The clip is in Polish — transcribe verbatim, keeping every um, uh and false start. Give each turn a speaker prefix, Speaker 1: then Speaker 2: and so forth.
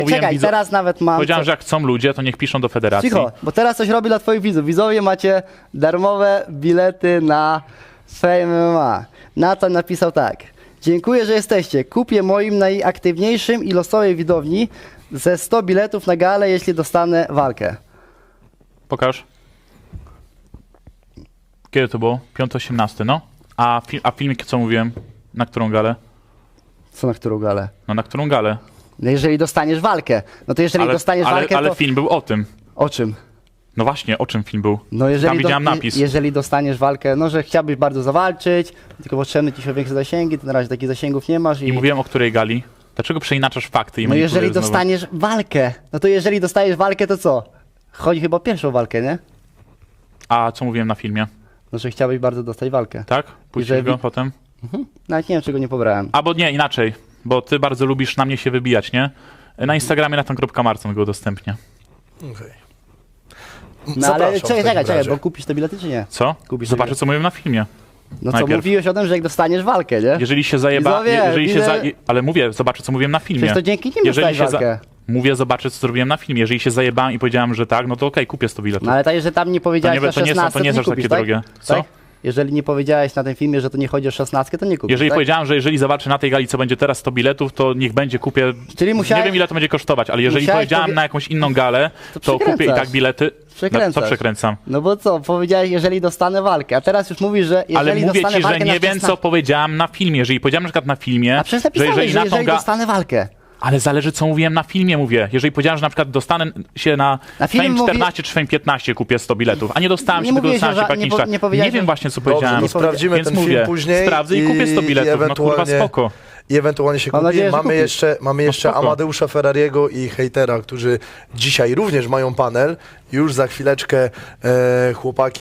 Speaker 1: Mówiłem
Speaker 2: Czekaj,
Speaker 1: widzo-
Speaker 2: teraz nawet mam...
Speaker 1: Powiedziałem,
Speaker 2: co-
Speaker 1: że jak chcą ludzie, to niech piszą do federacji.
Speaker 2: Cicho, bo teraz coś robi dla twoich widzów. Widzowie, macie darmowe bilety na Fame M M A. Nathan napisał tak. Dziękuję, że jesteście. Kupię moim najaktywniejszym i losowej widowni ze sto biletów na galę, jeśli dostanę walkę.
Speaker 1: Pokaż. Kiedy to było? piąty osiemnasty, no. A, fi a filmik, co mówiłem? Na którą galę?
Speaker 2: Co na którą galę?
Speaker 1: No na którą galę?
Speaker 2: No jeżeli dostaniesz walkę. No to jeżeli
Speaker 1: Ale,
Speaker 2: dostaniesz
Speaker 1: ale,
Speaker 2: walkę,
Speaker 1: ale
Speaker 2: to...
Speaker 1: film był o tym.
Speaker 2: O czym?
Speaker 1: No właśnie, o czym film był?
Speaker 2: No jeżeli
Speaker 1: Tam widziałem
Speaker 2: do,
Speaker 1: napis.
Speaker 2: je- Jeżeli dostaniesz walkę, no że chciałbyś bardzo zawalczyć, tylko potrzebne ci się większe zasięgi, to na razie takich zasięgów nie masz. I,
Speaker 1: I mówiłem o której gali. Dlaczego przeinaczasz fakty i
Speaker 2: no
Speaker 1: manipulujesz
Speaker 2: jeżeli
Speaker 1: znowu?
Speaker 2: dostaniesz walkę, no to jeżeli dostajesz walkę, to co? Chodzi chyba o pierwszą walkę, nie?
Speaker 1: A co mówiłem na filmie?
Speaker 2: No że chciałbyś bardzo dostać walkę.
Speaker 1: Tak? Puścisz
Speaker 2: Jeżeli-
Speaker 1: go potem?
Speaker 2: Mhm. Nawet nie wiem, czego nie pobrałem.
Speaker 1: Albo nie, inaczej. Bo ty bardzo lubisz na mnie się wybijać, nie? Na Instagramie na ten kropka Marcon go udostępnię.
Speaker 3: Okej.
Speaker 2: No ale
Speaker 3: Zapraszam w
Speaker 2: czekaj,
Speaker 3: takim
Speaker 2: czekaj, czekaj,
Speaker 3: razie.
Speaker 2: bo kupisz te bilety czy nie?
Speaker 1: Co?
Speaker 2: Kupisz
Speaker 1: Zobaczę,
Speaker 2: sobie-
Speaker 1: co mówiłem na filmie.
Speaker 2: No co,
Speaker 1: Najpierw.
Speaker 2: mówiłeś o tym, że jak dostaniesz walkę, nie?
Speaker 1: Jeżeli się zajeba...
Speaker 2: Widzowie,
Speaker 1: jeżeli się
Speaker 2: widzę-
Speaker 1: za... Ale mówię, zobaczę, co mówiłem na filmie.
Speaker 2: Przecież to dzięki nim
Speaker 1: Jeżeli
Speaker 2: dostałeś
Speaker 1: się za...
Speaker 2: walkę.
Speaker 1: Mówię, zobaczę, co zrobiłem na filmie. Jeżeli się zajebałem i powiedziałem, że tak, no to okej, kupię sto biletów.
Speaker 2: No ale tak, że tam nie powiedziałeś
Speaker 1: To nie-
Speaker 2: na
Speaker 1: to nie są-
Speaker 2: szesnastce,
Speaker 1: to nie są
Speaker 2: kupisz,
Speaker 1: takie
Speaker 2: tak?
Speaker 1: drogie. Co?
Speaker 2: Tak? Jeżeli nie powiedziałeś na tym filmie, że to nie chodzi o szesnastkę, to nie kupisz,
Speaker 1: Jeżeli
Speaker 2: tak?
Speaker 1: powiedziałem, że jeżeli zobaczę na tej gali, co będzie teraz sto biletów, to niech będzie, kupię.
Speaker 2: Czyli musiałeś-
Speaker 1: Nie wiem, ile to będzie kosztować, ale jeżeli
Speaker 2: musiałeś
Speaker 1: powiedziałem
Speaker 2: powie-
Speaker 1: na jakąś inną galę,
Speaker 2: To
Speaker 1: to, kupię i
Speaker 2: przekręcasz.
Speaker 1: tak bilety.
Speaker 2: Przekręcasz.
Speaker 1: Co przekręcam?
Speaker 2: No bo co, powiedziałeś, jeżeli dostanę walkę, a teraz już mówisz, że jeżeli
Speaker 1: Ale mówię
Speaker 2: dostanę
Speaker 1: ci, że
Speaker 2: walkę
Speaker 1: nie
Speaker 2: na
Speaker 1: wiem, co
Speaker 2: szesnastkę...
Speaker 1: powiedziałem na filmie. Jeżeli powiedziałem na przykład na filmie,
Speaker 2: A przecież
Speaker 1: że
Speaker 2: napisałeś,
Speaker 1: jeżeli
Speaker 2: że
Speaker 1: na
Speaker 2: jeżeli,
Speaker 1: tą ga...
Speaker 2: dostanę walkę.
Speaker 1: Ale zależy, co mówiłem na filmie, mówię. Jeżeli powiedziałem, że na przykład dostanę się na,
Speaker 2: Na filmie
Speaker 1: Fame
Speaker 2: mówi-
Speaker 1: czternaście czy Fame piętnaście, kupię sto biletów, a nie dostałem
Speaker 2: Nie
Speaker 1: się, tylko
Speaker 2: mówiłeś,
Speaker 1: dostałem
Speaker 2: że
Speaker 1: się po
Speaker 2: ża- nie
Speaker 1: jakimś
Speaker 2: po-
Speaker 1: czasie.
Speaker 2: nie powiedziałeś,
Speaker 1: wiem
Speaker 2: że-
Speaker 1: właśnie, co
Speaker 3: Dobrze,
Speaker 1: powiedziałem.
Speaker 3: to sprawdzimy
Speaker 1: Więc
Speaker 3: ten
Speaker 1: mówię,
Speaker 3: film później.
Speaker 1: sprawdzę i kupię sto biletów, no kurwa,
Speaker 3: ewentualnie-
Speaker 1: spoko.
Speaker 3: I ewentualnie się
Speaker 2: Mam
Speaker 3: kupi.
Speaker 2: nadzieję, że
Speaker 3: mamy
Speaker 2: kupisz.
Speaker 3: jeszcze, mamy jeszcze
Speaker 1: spoko.
Speaker 3: Amadeusza Ferrariego i hejtera, którzy dzisiaj również mają panel. Już za chwileczkę e, chłopaki